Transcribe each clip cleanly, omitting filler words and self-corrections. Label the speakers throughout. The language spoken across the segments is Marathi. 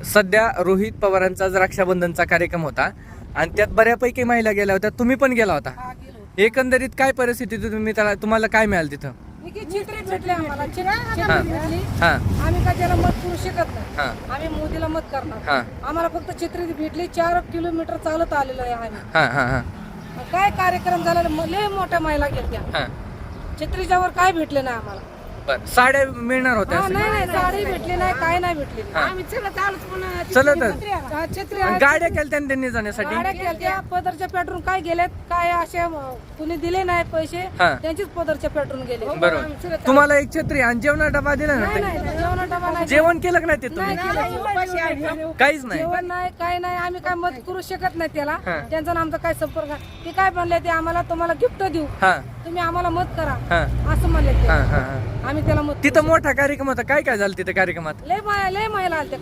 Speaker 1: सध्या रोहित पवारांचा रक्षाबंधनचा कार्यक्रम होता आणि त्यात बऱ्यापैकी महिला गेल्या होत्या, तुम्ही पण गेला होता. एकंदरीत काय परिस्थिती तुम्ही तुम्हाला काय मिळालं तिथं?
Speaker 2: चित्रे भेटले आम्हाला, चित्रे भेटली. आम्ही काय त्याला मत करू शकत नाही, आम्ही मोदीला मत करणार. आम्हाला फक्त चित्रे भेटली. 4 किलोमीटर चालत आलेलो आहे आम्ही. काय कार्यक्रम झाला, लय मोठ्या महिला गेल्या. चित्रीच्यावर काय भेटले नाही आम्हाला.
Speaker 1: साड्या मिळणार होत्या?
Speaker 2: नाही, साडी भेटली नाही, काय नाही भेटली. आम्ही छत्री
Speaker 1: गाड्या केल्या त्यांनी जाण्यासाठी.
Speaker 2: गाड्या केल्या, पदरच्या पेट्रोल काय गेलेत, काय असे कुणी दिले नाही पैसे, त्यांचीच पदरच्या पेट्रोल गेले.
Speaker 1: बरोबर. तुम्हाला एक छत्री आणि जेवणा डबा दिला ना?
Speaker 2: जेवण डबा नाही.
Speaker 1: जेवण केलं का नाही ते तुम्ही? काहीच नाही,
Speaker 2: जेवण नाही, काय नाही. आम्ही काय मत करू शकत नाही त्याला. त्यांचा आमचा काय संपर्क. ते काय म्हणले, ते आम्हाला तुम्हाला गिफ्ट देऊ, तुम्ही आम्हाला मत करा असं म्हणले. आम्ही त्याला मत.
Speaker 1: तिथं मोठा कार्यक्रम होता, काय काय झालं तिथं कार्यक्रमात?
Speaker 2: लय महिला आल्या.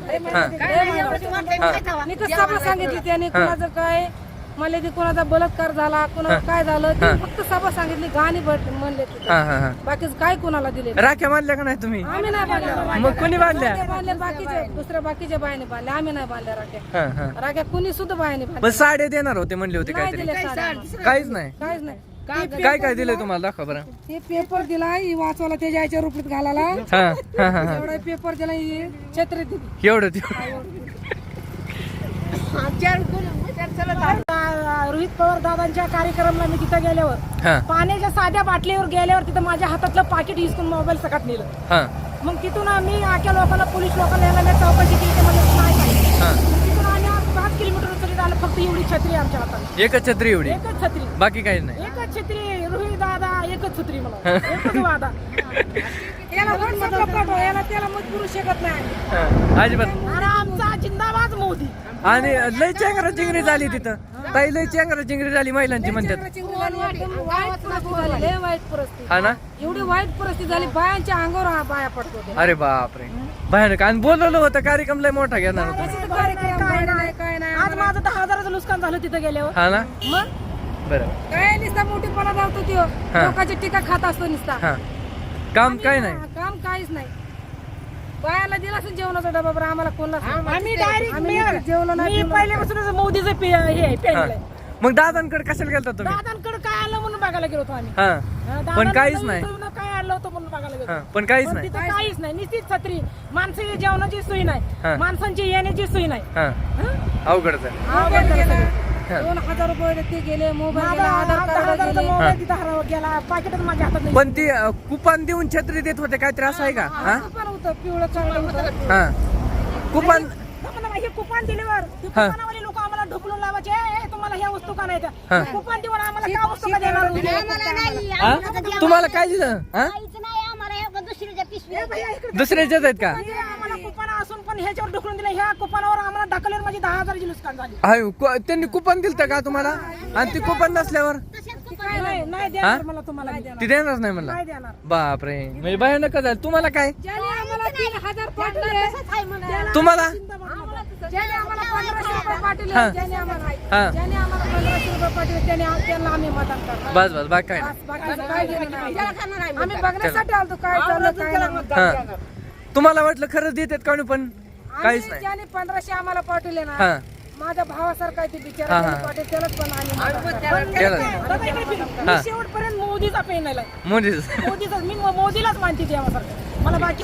Speaker 2: सभा सांगितली त्यांनी, कुणाचं काय म्हणले, ते कुणाचा बलात्कार झाला, कुणाला काय झालं, ते फक्त सभा सांगितली. गाणी म्हणले, बाकीच काय कुणाला दिले.
Speaker 1: राख्या बांधल्या का नाही तुम्ही?
Speaker 2: आम्ही नाही बांधल्या.
Speaker 1: मग कोणी बांधल्या?
Speaker 2: बांधल्या बाकीचे, दुसऱ्या बाकीच्या बायाने बांधल्या, आम्ही नाही बांधल्या राख्या. राख्या कुणी सुद्धा बायाने बांधल्या.
Speaker 1: पण साडे देणार होते म्हणले होते काहीतरी? काहीच नाही.
Speaker 2: काहीच नाही.
Speaker 1: काय काय दिलंय तुम्हाला, दाखवा बरं.
Speaker 2: ते पेपर दिला वाचवायला, त्याच्या आईच्या रुपीत घालायला. एवढा पेपर दिला, छत्री दिली.
Speaker 1: एवढं
Speaker 2: रोहित पवार दादांच्या कार्यक्रमाला मी तिथं गेल्यावर, पाण्याच्या साध्या बाटलीवर गेल्यावर, तिथं माझ्या हातातलं पाकिट हिसकून मोबाईल सकट नेलं. मग तिथून आम्ही आख्या लोकांना, पोलीस लोकांना यायला चौकशी केली, ते म्हणजे नाही. तिथून आम्ही 5 किलोमीटर तरी आलं, फक्त एवढी छत्री आमच्या हातात.
Speaker 1: एकच छत्री? एवढी
Speaker 2: एकच छत्री,
Speaker 1: बाकी काही नाही.
Speaker 2: एकच छत्री. रोहित दादा एकच छत्री, मला एकच वादा. याला त्याला मत करू शकत नाही
Speaker 1: अजिबात.
Speaker 2: आणि आमचा जिंदाबाद मोदी.
Speaker 1: आणि लय चेंगरा चिंगरी झाली तिथं, ताई लय चेंगरा चिंगरी झाली महिलांची म्हणतात.
Speaker 2: लय वाईट परिस्थिती.
Speaker 1: हा ना,
Speaker 2: एवढी वाईट परिस्थिती झाली, बायांच्या अंगावर बाया पडतो.
Speaker 1: अरे बापरे, भयानक. आणि बोलवलं होतं कार्यक्रम लय मोठा घेणार होता.
Speaker 2: काय नाही. आज माझं 10,000चं नुकसान झालं तिथं गेल्यावर.
Speaker 1: हा ना,
Speaker 2: मग
Speaker 1: बरं.
Speaker 2: काय नुसता मोठेपणा जातो तो, लोकांची टीका खात असतो नुसता.
Speaker 1: काम काय नाही,
Speaker 2: काम काहीच नाही. बायाला दिला असेल जेवणाचा डबा, बरं आम्हाला कोणला. आम्ही जेवण नाही. पहिल्यापासूनच मोदीचं हे.
Speaker 1: मग दादांकडे कशाला गेलता तुम्ही?
Speaker 2: दादांकडे काय आलं म्हणून बघायला गेलो होतो आम्ही.
Speaker 1: पण काहीच नाही.
Speaker 2: काय आलं होतं म्हणून बघायला गेलो,
Speaker 1: पण काहीच नाही.
Speaker 2: तिथं काहीच नाही. निश्चित छत्री, माणसाची जेवणाची सोय नाही, माणसांची येण्याची सोय नाही.
Speaker 1: अवघडच आहे.
Speaker 2: 2,000 रुपये ते गेले, मोबाईल गेला, आधार कार्ड गेला, पाकिटच माझ्या हातात नाही.
Speaker 1: पण ती कुपन देऊन छत्री देत होते काहीतरी, असं आहे का?
Speaker 2: कुपन होतं पिवळं, चांगलं होतं.
Speaker 1: कुपन
Speaker 2: हे कुपन दिल्यावर कुपनवाले लोक आम्हाला ढकलून लावायचे, तुम्हाला ह्या वस्तू का नाही त्या. कुपन देऊन आम्हाला काय वस्तू का देणार?
Speaker 1: तुम्हाला काय दिलं? दुसऱ्याच्याच आहेत का?
Speaker 2: आम्हाला कुपन असून पण ह्याच्यावर ढकलून दिलं. ह्या कुपनावर आम्हाला ढकलल्यावर माझी 10,000ची नुकसान झाली.
Speaker 1: त्यांनी कुपन दिलं का तुम्हाला? आणि ती कुपन नसल्यावर
Speaker 2: नाही देणार मला, तुम्हाला
Speaker 1: ती देणारच नाही म्हणला.
Speaker 2: नाही देणार.
Speaker 1: बापरे, म्हणजे भयानक झालं. तुम्हाला काय?
Speaker 2: ज्याने आम्हाला 3,000 पाठवले,
Speaker 1: तुम्हाला
Speaker 2: ज्याने आम्हाला 1,500 रुपये पाठवले, ज्याने आम्हाला 1,500 रुपये पाठवले, त्यांना आम्ही मतदान करणार.
Speaker 1: बस बस, बाकी काय
Speaker 2: बाकीचं काय देणार नाही. आम्ही बघण्यासाठी आलतो काय चाललं काय नाही.
Speaker 1: तुम्हाला वाटलं खरंच देतात का? पण काहीच नाही.
Speaker 2: ज्याने 1,500 आम्हाला पाठवले ना, माझ्या भावासारखा ते बिचारा पाटील, त्यालाच पण आम्ही शेवटपर्यंत मोदीचा पेन आला. मोदीचा मी मोदीलाच मानते देवासारखं. मला बाकी